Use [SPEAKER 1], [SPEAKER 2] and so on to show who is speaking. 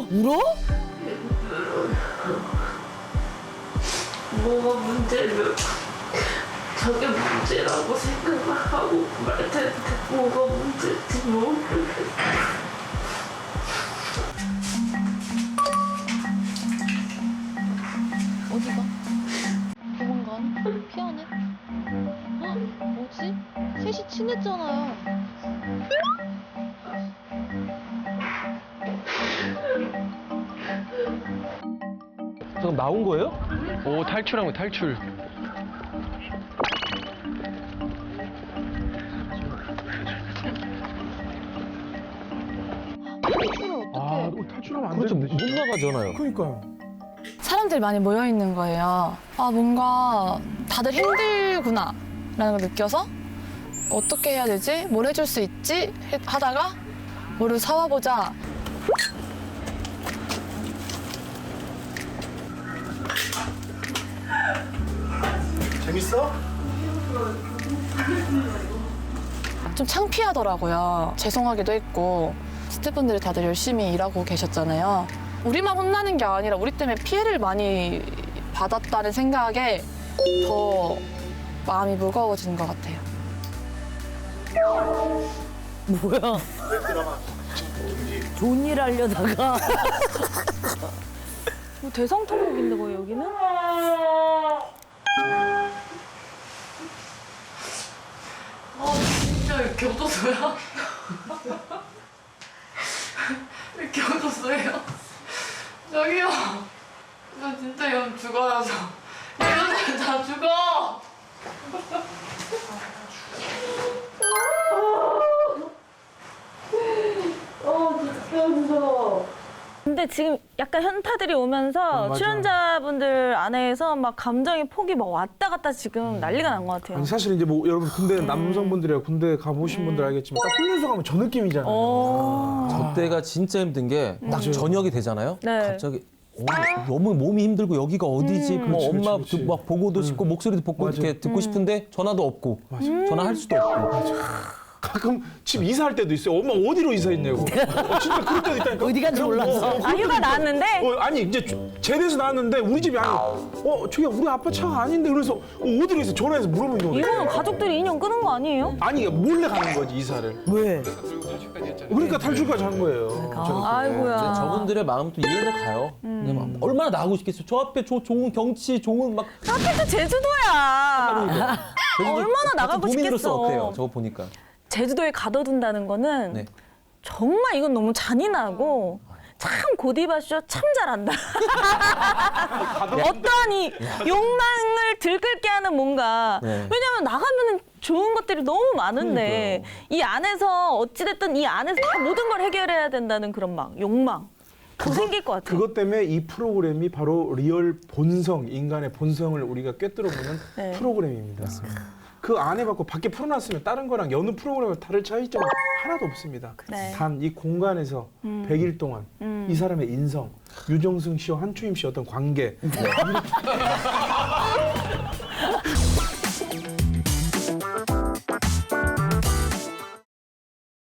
[SPEAKER 1] 울어?
[SPEAKER 2] 뭐가 문제면 저게 문제라고 생각을 하고 말 텐데 뭐가 문제인지 모르겠어.
[SPEAKER 3] 어디가? 도망가네? 피하네? 헉, 뭐지? 셋이 친했잖아요.
[SPEAKER 4] 잠깐 나온 거예요?
[SPEAKER 5] 오, 탈출한 거 탈출.
[SPEAKER 3] 탈출을
[SPEAKER 4] 아,
[SPEAKER 3] 어떻게?
[SPEAKER 4] 탈출하면 안
[SPEAKER 6] 그렇죠.
[SPEAKER 4] 되는데.
[SPEAKER 6] 못 나가잖아요.
[SPEAKER 4] 그러니까요.
[SPEAKER 1] 사람들이 많이 모여 있는 거예요. 아, 뭔가 다들 힘들구나 라는 걸 느껴서 어떻게 해야 되지? 뭘 해줄 수 있지? 하다가 뭐를 사와보자.
[SPEAKER 4] 재밌어?
[SPEAKER 1] 좀 창피하더라고요. 죄송하기도 했고 스태프분들이 다들 열심히 일하고 계셨잖아요. 우리만 혼나는 게 아니라 우리 때문에 피해를 많이 받았다는 생각에 더 마음이 무거워지는 것 같아요.
[SPEAKER 7] 뭐야? 좋은 일 하려다가
[SPEAKER 8] 뭐 대성통곡인데 뭐 여기는?
[SPEAKER 2] 아 진짜 이렇게 얻었어요? 이렇게 얻었어요? 저기요 저 진짜 이러면 죽어요 저 이러면 다 죽어 진짜 무서워
[SPEAKER 8] 근데 지금 약간 현타들이 오면서
[SPEAKER 4] 맞아요.
[SPEAKER 8] 출연자분들 안에서 막 감정의 폭이 막 왔다 갔다 지금 난리가 난 것 같아요.
[SPEAKER 4] 아니 사실 이제 뭐 여러분 군대 남성분들이야 군대 가보신 분들 알겠지만 딱 훈련소 가면 저 느낌이잖아요.
[SPEAKER 8] 오.
[SPEAKER 6] 저 때가 진짜 힘든 게 딱 저녁이 되잖아요.
[SPEAKER 8] 네.
[SPEAKER 6] 갑자기 너무 몸이 힘들고 여기가 어디지? 뭐
[SPEAKER 4] 그렇지,
[SPEAKER 6] 엄마
[SPEAKER 4] 그렇지, 그렇지.
[SPEAKER 6] 막 보고도 싶고 목소리도 듣고
[SPEAKER 4] 맞아.
[SPEAKER 6] 이렇게 듣고 싶은데 전화도 없고 전화할 수도 없고.
[SPEAKER 4] 가끔 집 이사할 때도 있어요. 엄마 어디로 이사했냐고. 진짜 그럴 때도 있다니까.
[SPEAKER 7] 어디 간지 몰라서.
[SPEAKER 8] 아, 휴가 나왔는데?
[SPEAKER 4] 아니 이제 제대해서 나왔는데 우리 집이 아니고 저기 우리 아빠 차가 아닌데 그래서 어디로 있어 전화해서 물어보는 경우가
[SPEAKER 8] 이거는
[SPEAKER 4] 있어요.
[SPEAKER 8] 가족들이 인연 끊은 거 아니에요?
[SPEAKER 4] 아니 몰래 가는 거지 이사를.
[SPEAKER 7] 왜?
[SPEAKER 4] 그러니까 탈출까지 한 거예요.
[SPEAKER 8] 아이고야.
[SPEAKER 6] 저분들의 마음도 이해는 가요. 근데 막 얼마나 나가고 싶겠어요. 저 앞에 좋은 경치, 좋은 막
[SPEAKER 8] 하필 또 제주도야. 얼마나 나가고
[SPEAKER 6] 도민으로서
[SPEAKER 8] 싶겠어.
[SPEAKER 6] 어때요? 저거 보니까.
[SPEAKER 8] 제주도에 가둬둔다는 거는
[SPEAKER 6] 네.
[SPEAKER 8] 정말 이건 너무 잔인하고 참 고디바쇼 참 잘한다. 어떠한 이 욕망을 들끓게 하는 뭔가.
[SPEAKER 6] 네.
[SPEAKER 8] 왜냐면 나가면은 좋은 것들이 너무 많은데 이 안에서 어찌됐든 이 안에서 다 모든 걸 해결해야 된다는 그런 막 욕망. 더 생길 것 같아요.
[SPEAKER 4] 그것 때문에 이 프로그램이 바로 리얼 본성, 인간의 본성을 우리가 꿰뚫어보는
[SPEAKER 8] 네.
[SPEAKER 4] 프로그램입니다. 그 안에 받고 밖에 풀어놨으면 다른 거랑 여느 프로그램을 다를 차이점은 하나도 없습니다.
[SPEAKER 8] 네.
[SPEAKER 4] 단 이 공간에서 100일 동안 이 사람의 인성, 유정승 씨와 한추임 씨 어떤 관계